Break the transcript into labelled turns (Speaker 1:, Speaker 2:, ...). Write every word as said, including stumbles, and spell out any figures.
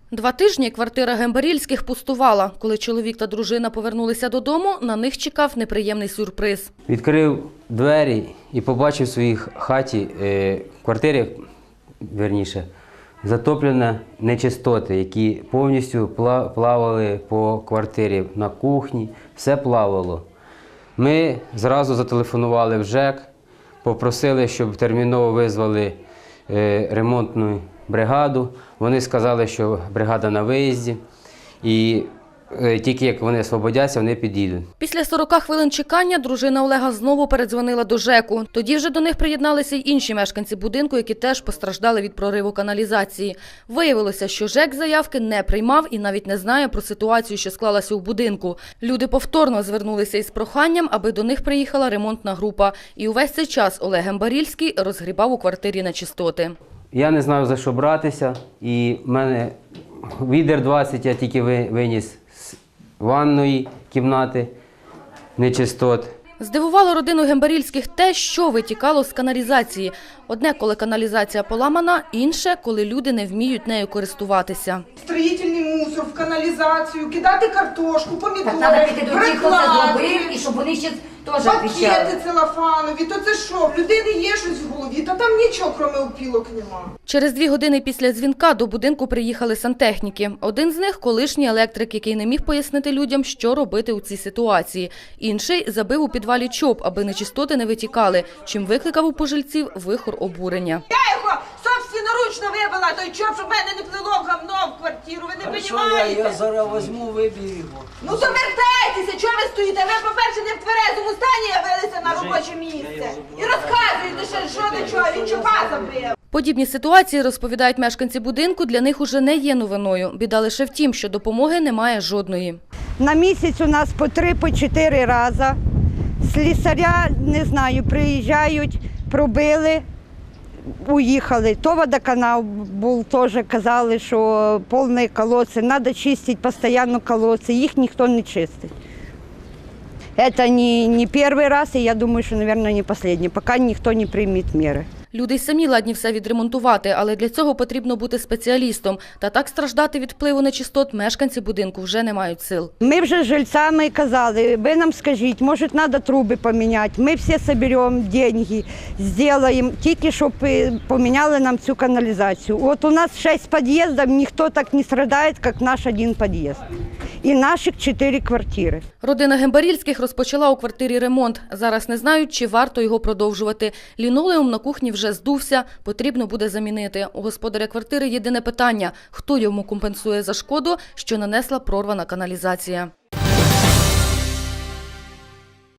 Speaker 1: Два тижні квартира Гембарільських пустувала. Коли чоловік та дружина повернулися додому, на них чекав неприємний сюрприз.
Speaker 2: Відкрив двері і побачив в своїй хаті, в квартирі, вірніше, затоплені нечистоти, які повністю плавали по квартирі, на кухні, все плавало. Ми зразу зателефонували в ЖЕК, попросили, щоб терміново визвали ремонтну бригаду. Вони сказали, що бригада на виїзді, і тільки як вони освободяться, вони підійдуть.
Speaker 1: Після сорока хвилин чекання дружина Олега знову передзвонила до ЖЕКу. Тоді вже до них приєдналися й інші мешканці будинку, які теж постраждали від прориву каналізації. Виявилося, що ЖЕК заявки не приймав і навіть не знає про ситуацію, що склалася у будинку. Люди повторно звернулися із проханням, аби до них приїхала ремонтна група. І увесь цей час Олег Гембарільський розгрібав у квартирі нечистоти.
Speaker 2: Я не знав, за що братися, і в мене відер двадцять я тільки виніс з ванної кімнати нечистот.
Speaker 1: Здивувало родину Гембарільських те, що витікало з каналізації. Одне, коли каналізація поламана, інше, коли люди не вміють нею користуватися.
Speaker 3: Строїтельний мусор в каналізацію, кидати картошку, помідори,
Speaker 4: треба піти до тих, хто це зробив, і щоб вони ще теж відвічали.
Speaker 3: Пакети целофанові, то це що? В людини є щось в голові, та там нічого, крім опілок, нема.
Speaker 1: Через дві години після дзвінка до будинку приїхали сантехніки. Один з них – колишній електрик, який не міг пояснити людям, що робити у цій ситуації. Інший забив у підвалі чоп, аби нечистоти не витікали, чим викликав у пожильців вихор обурення.
Speaker 3: Я його собственноручно вибила, той чоп, щоб в мене не плило гавно в квартиру, ви не розумієте?
Speaker 5: Я зараз візьму, виб'ю його.
Speaker 3: Ну то вертайтеся, чого ви стоїте? Ви, по-перше, не в тверезому стані явилися на робоче місце. І розказуєте, що, що до чого, він чопа забив.
Speaker 1: Подібні ситуації, розповідають мешканці будинку, для них уже не є новиною. Біда лише в тім, що допомоги немає жодної.
Speaker 6: На місяць у нас по три, по чотири рази. Слісаря, не знаю, приїжджають, пробили, уїхали. То водоканал був, теж казали, що повні колодці, треба чистити постійно колодці, їх ніхто не чистить. Це не, не перший раз, і я думаю, що, мабуть, не останній, поки ніхто не прийме міри.
Speaker 1: Люди й самі ладні все відремонтувати, але для цього потрібно бути спеціалістом. Та так страждати від впливу нечистот мешканці будинку вже не мають сил.
Speaker 6: Ми вже з жильцями казали, ви нам скажіть, може треба труби поміняти, ми всі зберемо гроші, зробимо, тільки щоб поміняли нам цю каналізацію. От у нас шість під'їздів, ніхто так не страждає, як наш один під'їзд. І наших чотири квартири.
Speaker 1: Родина Гембарільських розпочала у квартирі ремонт. Зараз не знають, чи варто його продовжувати. Лінолеум на кухні вже здувся, потрібно буде замінити. У господаря квартири єдине питання – хто йому компенсує за шкоду, що нанесла прорвана каналізація.